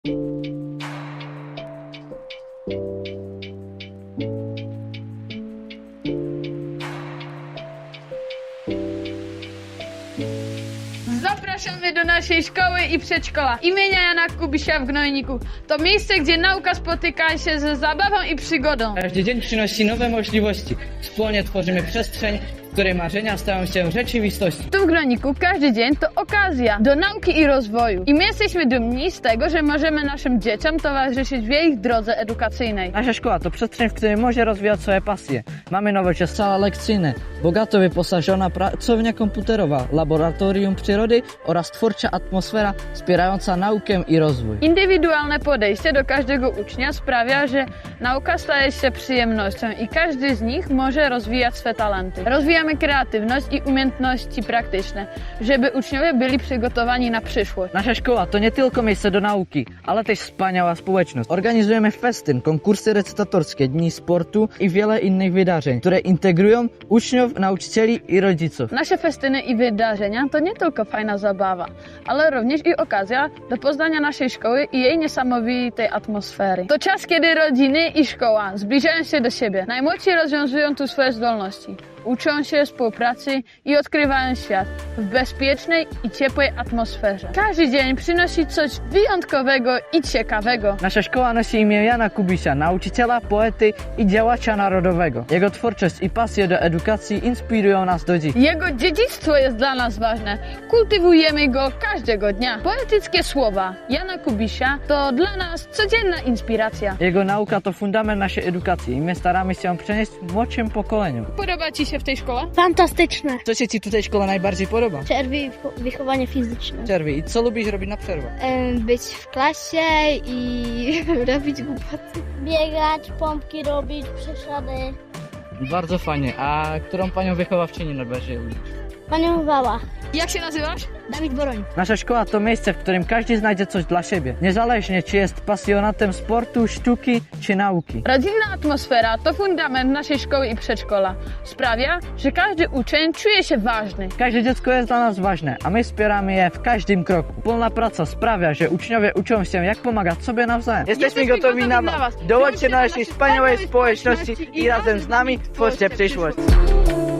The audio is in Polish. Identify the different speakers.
Speaker 1: Zapraszamy do naszej szkoły i przedszkola imienia Jana Kubisia w Gnojniku. To miejsce, gdzie nauka spotyka się ze zabawą i przygodą.
Speaker 2: Każdy dzień przynosi nowe możliwości. Wspólnie tworzymy przestrzeń, w której marzenia stają się rzeczywistością.
Speaker 1: Tu w Gnojniku każdy dzień to okazja do nauki i rozwoju. I my jesteśmy dumni z tego, że możemy naszym dzieciom towarzyszyć w ich drodze edukacyjnej.
Speaker 2: Nasza szkoła to przestrzeń, w której może rozwijać swoje pasje. Mamy nowoczesne sala lekcyjne, bogato wyposażona pracownia komputerowa, laboratorium przyrody oraz twórcza atmosfera wspierająca naukę i rozwój.
Speaker 1: Indywidualne podejście do każdego ucznia sprawia, że nauka staje się przyjemnością i każdy z nich może rozwijać swe talenty. Rozwijamy kreatywność i umiejętności praktyczne, żeby uczniowie byli przygotowani na przyszłość.
Speaker 2: Nasza szkoła to nie tylko miejsce do nauki, ale też wspaniała społeczność. Organizujemy festyn, konkursy recytatorskie, dni sportu i wiele innych wydarzeń, które integrują uczniów, nauczycieli i rodziców.
Speaker 1: Nasze festyny i wydarzenia to nie tylko fajna zabawa, ale również i okazja do poznania naszej szkoły i jej niesamowitej atmosfery. To czas, kiedy rodziny i szkoła zbliżają się do siebie. Najmłodsi rozwiązują tu swoje zdolności. Uczą się współpracy i odkrywają świat w bezpiecznej i ciepłej atmosferze. Każdy dzień przynosi coś wyjątkowego i ciekawego.
Speaker 2: Nasza szkoła nosi imię Jana Kubisia, nauczyciela, poety i działacza narodowego. Jego twórczość i pasja do edukacji inspirują nas do dziś.
Speaker 1: Jego dziedzictwo jest dla nas ważne. Kultywujemy go każdego dnia. Poetyckie słowa Jana Kubisia to dla nas codzienna inspiracja.
Speaker 2: Jego nauka to fundament naszej edukacji i my staramy się ją przenieść młodszym pokoleniom.
Speaker 1: Podoba Ci się w tej szkole?
Speaker 3: Fantastyczne.
Speaker 2: Co się Ci tutaj szkoła najbardziej podoba?
Speaker 3: Przerwy i wychowanie fizyczne.
Speaker 2: Przerwy. I co lubisz robić na przerwę?
Speaker 3: Być w klasie i robić głupoty. Biegać, pompki robić, przeszady.
Speaker 2: Bardzo fajnie. A którą panią wychowawczynię najbardziej lubisz?
Speaker 3: Panią Wała.
Speaker 1: Jak się nazywasz?
Speaker 3: Dawid Boroń.
Speaker 2: Nasza szkoła to miejsce, w którym każdy znajdzie coś dla siebie. Niezależnie czy jest pasjonatem sportu, sztuki czy nauki.
Speaker 1: Rodzinna atmosfera to fundament naszej szkoły i przedszkola. Sprawia, że każdy uczeń czuje się ważny.
Speaker 2: Każde dziecko jest dla nas ważne, a my wspieramy je w każdym kroku. Wspólna praca sprawia, że uczniowie uczą się, jak pomagać sobie nawzajem. Jesteśmy gotowi na was. Dołączcie do naszej wspaniałej społeczności i razem z nami twórzcie przyszłość.